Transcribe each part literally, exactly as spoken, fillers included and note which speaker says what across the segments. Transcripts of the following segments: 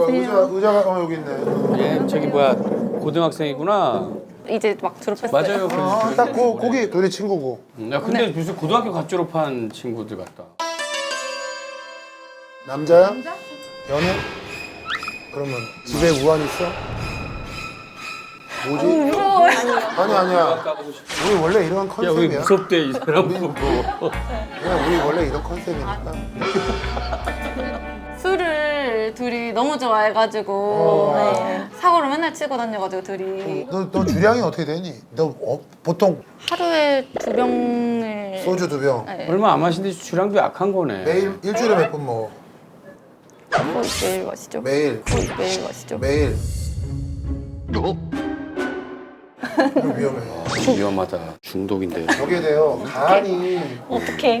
Speaker 1: 의자, 의자가 어, 여기 있네.
Speaker 2: 예, 저기 뭐야 고등학생이구나.
Speaker 3: 이제 막 졸업했어요.
Speaker 2: 맞아요.
Speaker 1: 어, 딱 고, 거기 둘이 친구고.
Speaker 2: 야 근데 무슨 고등학교 갓 졸업한 친구들 같다.
Speaker 1: 남자야? 연애? 그러면 집에 우한 있어? 뭐지?
Speaker 3: 무서워요.
Speaker 1: 아니 아니야. 우리 원래 이런
Speaker 2: 야 왜
Speaker 1: 컨셉이야.
Speaker 2: 무섭대 이 사람 보고.
Speaker 1: 그냥 우리 원래 이런 컨셉이니까.
Speaker 3: 술을 둘이 너무 좋아해가지고
Speaker 1: 어.
Speaker 3: 네. 사고를 맨날 치고 다녀가지고 둘이
Speaker 1: 너, 너 주량이 어떻게 되니? 너 어, 보통
Speaker 3: 하루에 두 병을
Speaker 1: 소주 두 병.
Speaker 3: 네.
Speaker 2: 얼마 안 마신데 주량도 약한 거네.
Speaker 1: 매일 일주일에 몇 번 먹어?
Speaker 3: 거의 매일 마시죠.
Speaker 1: 매일.
Speaker 3: 거의 매일 마시죠.
Speaker 1: 매일. 이거 위험해.
Speaker 2: 아, 위험하다. 중독인데.
Speaker 1: 저게 돼요. 간이.
Speaker 3: 어떡해.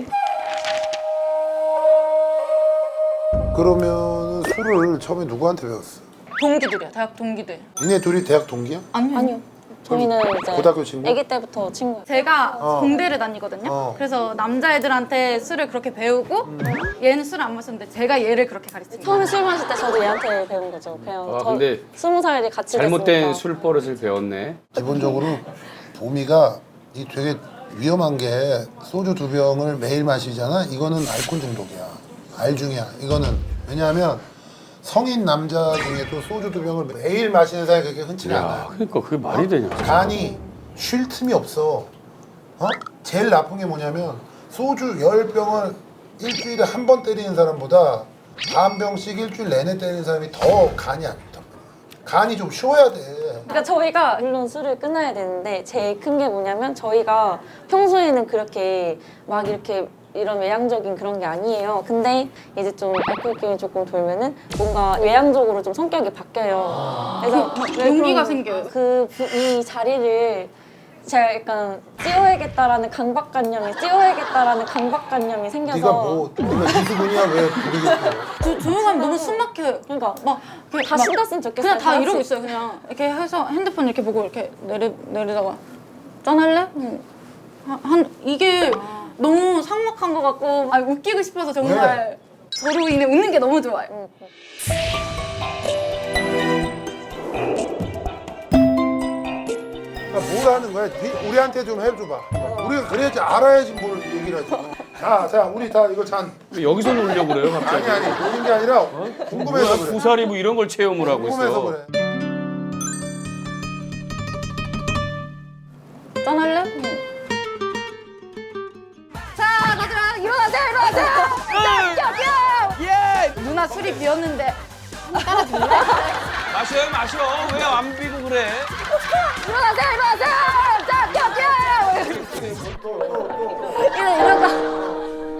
Speaker 1: 그러면 술을 처음에 누구한테 배웠어?
Speaker 3: 동기들이야. 대학 동기들.
Speaker 1: 니네 둘이 대학 동기야?
Speaker 3: 아니요.
Speaker 4: 아니요. 저희는 이제
Speaker 1: 고등학교 친구?
Speaker 4: 아기 때부터 친구예요.
Speaker 3: 제가
Speaker 1: 어.
Speaker 3: 공대를 다니거든요.
Speaker 1: 어.
Speaker 3: 그래서 남자애들한테 술을 그렇게 배우고 얘는 술을 안 마셨는데 제가 얘를 그렇게 가르친 거예요.
Speaker 4: 처음에 술 마실 때 저도 얘한테 배운 거죠. 그냥
Speaker 2: 아,
Speaker 4: 저
Speaker 2: 근데
Speaker 4: 스무 살이 같이
Speaker 2: 잘못된
Speaker 4: 됐으니까.
Speaker 2: 술 버릇을 배웠네.
Speaker 1: 기본적으로 보미가 이 되게 위험한 게 소주 두 병을 매일 마시잖아. 이거는 알코올 중독이야. 알중이야. 이거는 왜냐하면 성인 남자 중에도 소주 두 병을 매일 마시는 사람이 그렇게 흔치가
Speaker 2: 야
Speaker 1: 않아요.
Speaker 2: 그러니까 그게 말이 되냐.
Speaker 1: 간이 쉴 틈이 없어. 어? 제일 나쁜 게 뭐냐면 소주 열 병을 일주일에 한 번 때리는 사람보다 반 병씩 일주일 내내 때리는 사람이 더 간이 안 좋다. 간이 좀 쉬어야 돼.
Speaker 4: 그러니까 저희가 물론 술을 끊어야 되는데 제일 큰 게 뭐냐면 저희가 평소에는 그렇게 막 이렇게 이런 외향적인 그런 게 아니에요. 근데 이제 좀 알코올 기운이 조금 돌면은 뭔가 외향적으로 좀 성격이 바뀌어요. 그래서 왜
Speaker 3: 용기가
Speaker 4: 그런-
Speaker 3: 생겨요.
Speaker 4: 그 이 자리를 제가 약간 찌워야겠다라는 강박관념이 찌워야겠다라는 강박관념이 생겨서
Speaker 1: 네가 뭐 네가 이수근이야 왜 부르겠어?
Speaker 3: 조, 조용하면 너무 숨 막혀요.
Speaker 4: 그러니까
Speaker 3: 막 이렇게
Speaker 4: 다
Speaker 3: 막
Speaker 4: 신났으면 좋겠어요.
Speaker 3: 그냥 다
Speaker 4: 같이.
Speaker 3: 이러고 있어요. 그냥 이렇게 해서 핸드폰 이렇게 보고 이렇게 내리 내리다가 짠할래? 음. 한, 한 이게 너무 삭막한 것 같고 아 웃기고 싶어서 정말 저로 인해 웃는 게 너무 좋아요.
Speaker 1: 그러니까 뭘 하는 거야? 네- 우리한테 좀 해줘봐. 우리가 그래야지 알아야지 뭘 얘기를 하지. 자, 자, 우리 다 이거 잔.
Speaker 2: 왜 여기서 놀려고 그래요 갑자기?
Speaker 1: 아니 아니 노는 게 아니라 궁금해서
Speaker 2: 뭐야
Speaker 1: 그래.
Speaker 2: 부사리 뭐 이런 걸 체험을 하고
Speaker 1: 궁금해서
Speaker 2: 있어.
Speaker 1: 그래.
Speaker 3: 짠할래? 음. 자, 다들아 일어나세요, 일어나세요. 자, 뿅, 뿅. 예. 누나 술이 비었는데
Speaker 2: 마셔요 마셔. 왜 안 비고 그래?
Speaker 3: 일어나세요, 일어나세요. 자, 뿅, 뿅. 이런 이런 거.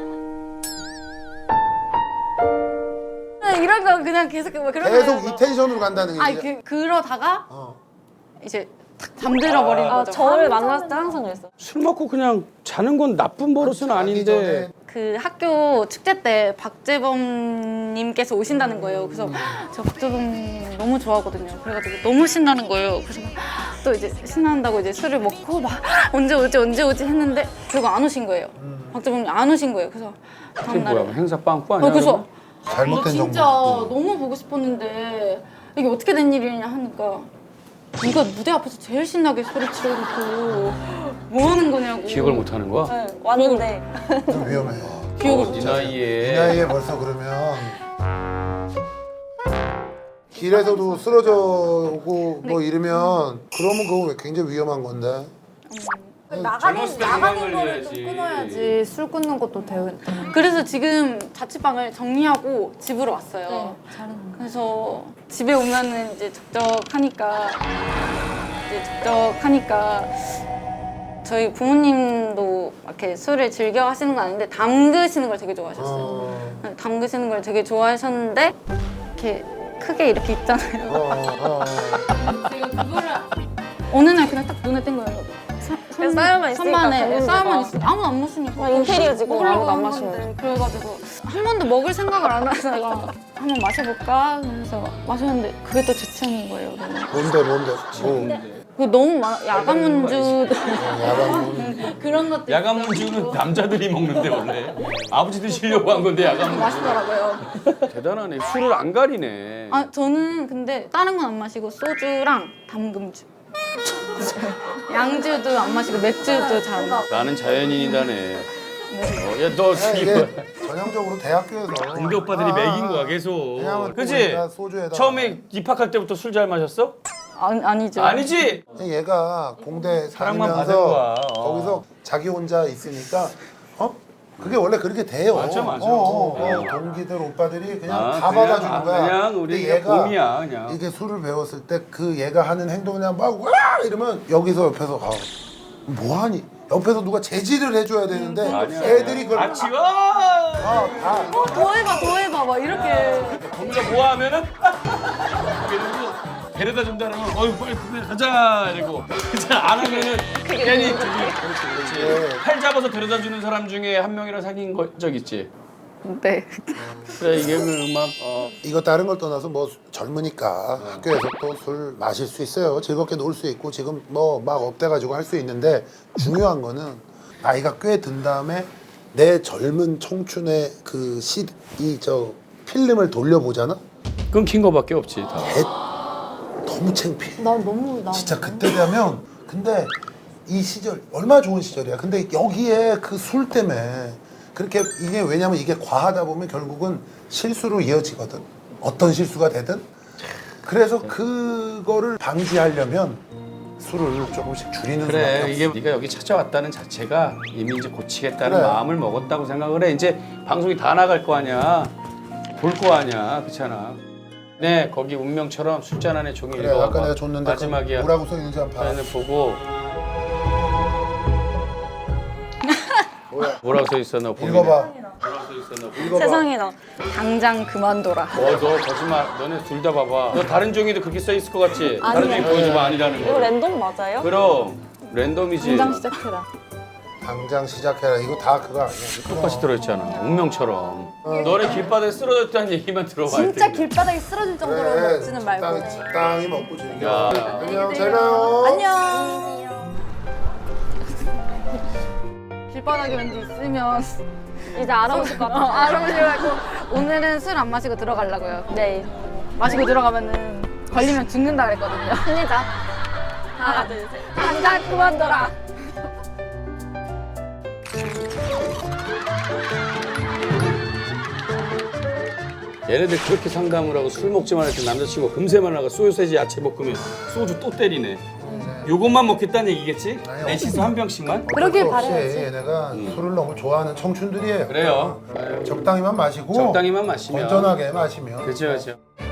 Speaker 3: 이런 거 그냥 계속 뭐 그런
Speaker 1: 계속
Speaker 3: 거예요.
Speaker 1: 이 텐션으로 간다는
Speaker 3: 아니
Speaker 1: 얘기야.
Speaker 3: 그 그러다가
Speaker 1: 어.
Speaker 3: 이제 탁 잠들어 버리는
Speaker 4: 아,
Speaker 3: 거죠.
Speaker 4: 저를 만났을 때 항상 그랬어요.
Speaker 2: 술 먹고 그냥 자는 건 나쁜 버릇은
Speaker 1: 자기
Speaker 2: 아닌데.
Speaker 1: 전에
Speaker 3: 그 학교 축제 때 박재범님께서 오신다는 거예요. 그래서 제가 박재범님 너무 좋아하거든요. 그래가지고 너무 신나는 거예요. 그래서 막 또 이제 신난다고 이제 술을 먹고 막 언제 오지 언제 오지 했는데 결국 안 오신 거예요. 박재범님 안 오신 거예요. 그래서
Speaker 2: 그게
Speaker 3: 다음날에
Speaker 2: 뭐야 행사 빵꾸 아니야?
Speaker 3: 어, 그래서
Speaker 1: 잘못된
Speaker 3: 너 진짜
Speaker 1: 정보.
Speaker 3: 너무 보고 싶었는데 이게 어떻게 된 일이냐 하니까 네가 무대 앞에서 제일 신나게 소리 지르고 뭐 하는 거냐고.
Speaker 2: 기억을 못 하는 거야?
Speaker 4: 네, 왔는데
Speaker 1: 좀 위험해.
Speaker 3: 기억을
Speaker 2: 어,
Speaker 3: 못
Speaker 2: 네
Speaker 1: 이
Speaker 2: 나이에.
Speaker 1: 나이에 벌써 그러면 길에서도 쓰러져 오고 뭐 이러면 그러면 그거 굉장히 위험한 건데.
Speaker 2: 젊었을 때 나가는 거를 좀
Speaker 5: 끊어야지. 술 끊는 것도 되게
Speaker 3: 그래서 지금 자취방을 정리하고 집으로 왔어요. 그래서 집에 오면은 이제 적적하니까 이제 적적하니까 저희 부모님도 이렇게 술을 즐겨 하시는 건 아닌데 담그시는 걸 되게 좋아하셨어요.
Speaker 1: 어.
Speaker 3: 담그시는 걸 되게 좋아하셨는데 이렇게 크게 이렇게 있잖아요.
Speaker 1: 어, 어, 어.
Speaker 3: 제가 그거를 어느 날 그냥 딱 눈에 띈 거예요.
Speaker 4: 그래서 쌓여만 있으니까
Speaker 3: 선반에
Speaker 4: 담그는
Speaker 3: 쌓여만
Speaker 4: 데가.
Speaker 3: 있어. 아무도 안 마시니까.
Speaker 4: 막 인테리어 지금
Speaker 3: 먹으려고
Speaker 4: 아무도 안
Speaker 3: 한
Speaker 4: 마시는
Speaker 3: 건데. 그래가지고 한 번도 먹을 생각을 안 해서 내가 한번 마셔볼까? 그래서 마셨는데 그게 또 제 취향인 거예요. 너무.
Speaker 1: 뭔데 뭔데? 뭐
Speaker 3: 그 너무 많아. 야간 문주도
Speaker 1: 야간
Speaker 3: 그런 것도
Speaker 2: 야간
Speaker 3: 있었고.
Speaker 2: 문주는 남자들이 먹는데 원래 아버지 드시려고 한 건데 야간 문주.
Speaker 3: 맛있더라고요.
Speaker 2: 대단하네. 술을 안 가리네.
Speaker 3: 아 저는 근데 다른 건 안 마시고 소주랑 담금주. 양주도 안 마시고 맥주도 잘 안 마시고.
Speaker 2: 나는 자연인이다네. 어, 야, 너
Speaker 1: 야,
Speaker 2: 이거
Speaker 1: 이게 전형적으로 대학교에서
Speaker 2: 공대 오빠들이
Speaker 1: 아,
Speaker 2: 먹인 거야 계속.
Speaker 1: 왜냐면
Speaker 2: 그지?
Speaker 1: 우리가 소주에다가
Speaker 2: 처음에 입학할 때부터 술 잘 마셨어?
Speaker 3: 아니, 아니죠.
Speaker 2: 아니지?
Speaker 1: 얘가 공대
Speaker 2: 사랑만 받은
Speaker 1: 다니면서
Speaker 2: 거야. 어.
Speaker 1: 거기서 자기 혼자 있으니까 어? 그게 원래 그렇게 돼요.
Speaker 2: 맞아, 맞아.
Speaker 1: 어, 어, 어.
Speaker 2: 어.
Speaker 1: 동기들 오빠들이 그냥
Speaker 2: 아,
Speaker 1: 다
Speaker 2: 그냥,
Speaker 1: 받아주는
Speaker 2: 아,
Speaker 1: 거야.
Speaker 2: 그냥 우리
Speaker 1: 근데 얘가
Speaker 2: 봄이야 그냥.
Speaker 1: 이게 술을 배웠을 때 그 얘가 하는 행동 그냥 막 와! 이러면 여기서 옆에서 아, 뭐하니? 옆에서 누가 제지를 해줘야 되는데
Speaker 2: 아니야,
Speaker 1: 애들이 그걸
Speaker 2: 같이 와.
Speaker 1: 아, 다
Speaker 3: 더 해봐, 더 해봐, 막 이렇게.
Speaker 2: 거기서 뭐 하면은 그리고 데려다 준다는 건 어이 빨리 그래 가자 이러고 안 하면은 괜히 저기 그렇지 그렇지 팔 잡아서 데려다 주는 사람 중에 한 명이랑 사귄 거, 적 있지.
Speaker 3: 네.
Speaker 2: 그래 이게 그 음악 어.
Speaker 1: 이거 다른 걸 떠나서 뭐 젊으니까 학교에서 또 술 마실 수 있어요. 즐겁게 놀 수 있고 지금 뭐 막 업돼가지고 할 수 있는데 중요한 거는 나이가 꽤 든 다음에 내 젊은 청춘의 그 시 이 저 필름을 돌려보잖아.
Speaker 2: 끊긴 거밖에 없지 다.
Speaker 1: 개 너무 창피해.
Speaker 5: 나 너무 나
Speaker 1: 진짜 그때 되면 근데 이 시절 얼마나 좋은 시절이야. 근데 여기에 그 술 때문에 그렇게 이게 왜냐면 이게 과하다 보면 결국은 실수로 이어지거든. 어떤 실수가 되든. 그래서 그거를 방지하려면 술을 조금씩 줄이는 수밖에
Speaker 2: 그래
Speaker 1: 없어.
Speaker 2: 이게 네가 여기 찾아왔다는 자체가 이미 이제 고치겠다는
Speaker 1: 그래.
Speaker 2: 마음을 먹었다고 생각을 해. 이제 방송이 다 나갈 거 아니야. 볼 거 아니야. 그렇잖아. 네 거기 운명처럼 술잔 안에 종이
Speaker 1: 그래
Speaker 2: 읽어봐.
Speaker 1: 아까 내가 줬는데
Speaker 2: 마지막이야.
Speaker 1: 그 뭐라고 써 있는지 한번 봐.
Speaker 2: 사연을 보고
Speaker 1: 뭐야?
Speaker 2: 뭐라고 써 있어 너 보기는.
Speaker 1: 읽어봐.
Speaker 2: 뭐라고 써 있어 너.
Speaker 1: 읽어봐.
Speaker 4: 세상에나.
Speaker 3: 당장 그만둬라.
Speaker 2: 어, 너 거짓말. 너네 둘 다 봐봐. 너 다른 종이도 그렇게 써 있을 것 같지? 다른 종이
Speaker 4: 아니야.
Speaker 2: 보여줘봐 아니라는
Speaker 4: 이거
Speaker 2: 거.
Speaker 4: 랜덤 맞아요?
Speaker 2: 그럼 랜덤이지.
Speaker 3: 당장 시작해라.
Speaker 1: 당장 시작해라. 이거 다 그거 아니야.
Speaker 2: 똑같이 들어있잖아. 운명처럼. 너네 길바닥에 쓰러졌다는 얘기만 들어봐.
Speaker 5: 진짜 길바닥에 쓰러질 정도로
Speaker 1: 그래.
Speaker 5: 먹지는 말고.
Speaker 1: 적당히, 적당히 먹고 즐겨.
Speaker 2: 야.
Speaker 1: 안녕 잘 가요.
Speaker 5: 안녕.
Speaker 3: 길바닥에 왠지 있으면
Speaker 4: 이제 알아보실 것
Speaker 3: 어,
Speaker 4: 같아요.
Speaker 3: 알아보시고 오늘은 술 안 마시고 들어가려고요.
Speaker 4: 네.
Speaker 3: 마시고 들어가면은 걸리면 죽는다 그랬거든요.
Speaker 4: 힘내자. 하나, 둘, 셋.
Speaker 3: 당장 그만둬라.
Speaker 2: 얘네들 그렇게 상담을 하고 술 먹지 말할 때 남자친구가 금세만 나가 소세지 야채 볶으면 소주 또 때리네. 요것만 먹겠다는 얘기겠지?
Speaker 1: 아니요.
Speaker 2: 넷이서 한 병씩만?
Speaker 5: 그러길
Speaker 1: 어쩔 수 없이
Speaker 5: 바라야지.
Speaker 1: 얘네가 술을 너무 좋아하는 청춘들이에요.
Speaker 2: 그래요.
Speaker 1: 적당히만 마시고
Speaker 2: 적당히만 마시면.
Speaker 1: 건전하게 마시면
Speaker 2: 그렇죠, 그렇죠.